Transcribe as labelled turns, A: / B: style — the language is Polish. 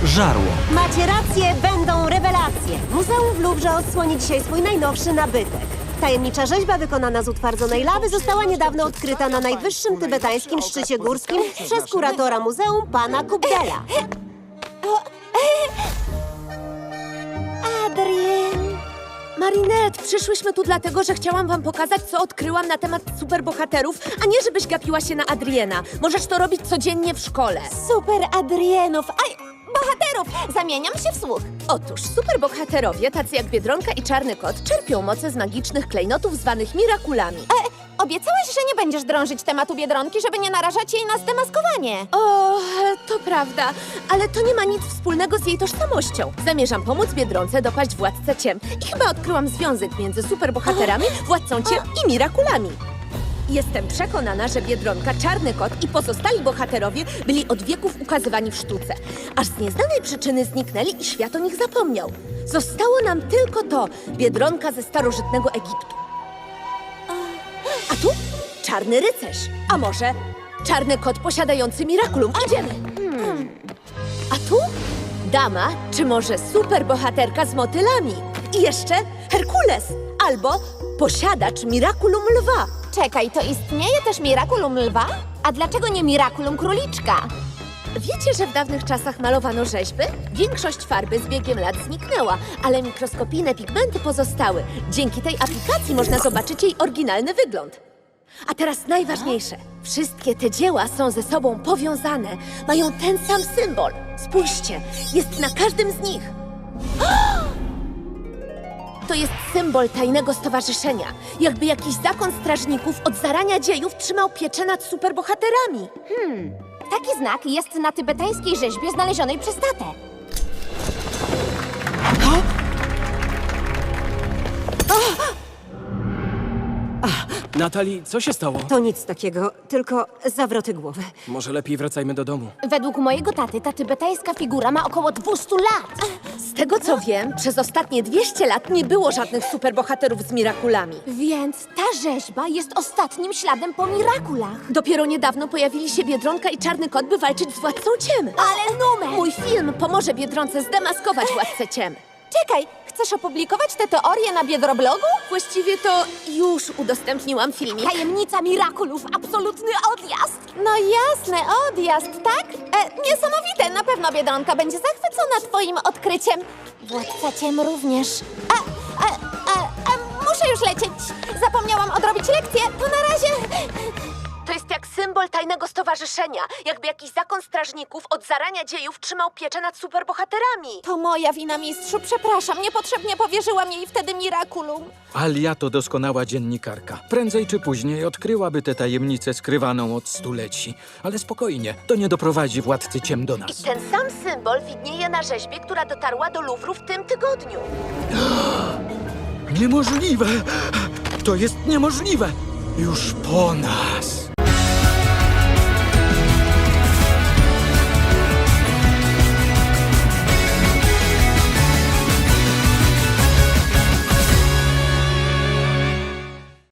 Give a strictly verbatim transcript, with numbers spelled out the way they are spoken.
A: Żarło.
B: Macie rację, będą rewelacje. Muzeum w Luwrze odsłoni dzisiaj swój najnowszy nabytek. Tajemnicza rzeźba wykonana z utwardzonej lawy została niedawno odkryta na najwyższym tybetańskim szczycie górskim przez kuratora muzeum pana Kubdela.
C: Adrien! Marinette, przyszłyśmy tu dlatego, że chciałam wam pokazać, co odkryłam na temat superbohaterów, a nie żebyś gapiła się na Adriena. Możesz to robić codziennie w szkole.
D: Super Adrienów, aj, bohaterów! Zamieniam się w słuch.
C: Otóż superbohaterowie, tacy jak Biedronka i Czarny Kot, czerpią moce z magicznych klejnotów zwanych mirakulami.
D: E, obiecałaś, że nie będziesz drążyć tematu Biedronki, żeby nie narażać jej na zdemaskowanie.
C: O, to prawda, ale to nie ma nic wspólnego z jej tożsamością. Zamierzam pomóc Biedronce dopaść władcę ciem i chyba odkryłam związek między superbohaterami, władcą ciem i mirakulami. Jestem przekonana, że Biedronka, Czarny Kot i pozostali bohaterowie byli od wieków ukazywani w sztuce. Aż z nieznanej przyczyny zniknęli i świat o nich zapomniał. Zostało nam tylko to, Biedronka ze starożytnego Egiptu. A tu czarny rycerz, a może czarny kot posiadający mirakulum. Idziemy! Hmm. A tu dama, czy może superbohaterka z motylami. I jeszcze Herkules, albo posiadacz mirakulum lwa.
D: Czekaj, to istnieje też Miraculum Lwa? A dlaczego nie Miraculum Króliczka?
C: Wiecie, że w dawnych czasach malowano rzeźby? Większość farby z biegiem lat zniknęła, ale mikroskopijne pigmenty pozostały. Dzięki tej aplikacji można zobaczyć jej oryginalny wygląd. A teraz najważniejsze. Wszystkie te dzieła są ze sobą powiązane. Mają ten sam symbol. Spójrzcie, jest na każdym z nich. To jest symbol tajnego stowarzyszenia. Jakby jakiś zakon strażników od zarania dziejów trzymał pieczę nad superbohaterami.
D: Taki znak jest na tybetańskiej rzeźbie znalezionej przez tatę.
E: Natali, co się stało?
B: To nic takiego, tylko zawroty głowy.
E: Może lepiej wracajmy do domu.
D: Według mojego taty ta tybetańska figura ma około dwieście lat.
C: Z tego co wiem, przez ostatnie dwieście lat nie było żadnych superbohaterów z mirakulami.
D: Więc ta rzeźba jest ostatnim śladem po Mirakulach.
C: Dopiero niedawno pojawili się Biedronka i Czarny Kot, by walczyć z Władcą Ciem.
D: Ale numer!
C: Mój film pomoże Biedronce zdemaskować Władcę Ciem.
D: Czekaj, chcesz opublikować tę teorię na Biedroblogu?
C: Właściwie to już udostępniłam filmik.
D: Tajemnica Mirakulów, absolutny odjazd! No jasne, odjazd, tak? E, niesamowite, na pewno Biedronka będzie zachwycona twoim odkryciem. Władca Ciem również. A, a, a, a, muszę już lecieć. Zapomniałam odrobić lekcję, to na razie...
C: To jest jak symbol tajnego stowarzyszenia. Jakby jakiś zakon strażników od zarania dziejów trzymał pieczę nad superbohaterami.
D: To moja wina, mistrzu, przepraszam, niepotrzebnie powierzyłam jej wtedy Mirakulum.
F: Alia to doskonała dziennikarka. Prędzej czy później odkryłaby tę tajemnicę skrywaną od stuleci. Ale spokojnie, to nie doprowadzi Władcy Ciem do
C: I
F: nas.
C: ten sam symbol widnieje na rzeźbie, która dotarła do Luwru w tym tygodniu.
F: Niemożliwe! To jest niemożliwe! Już po nas!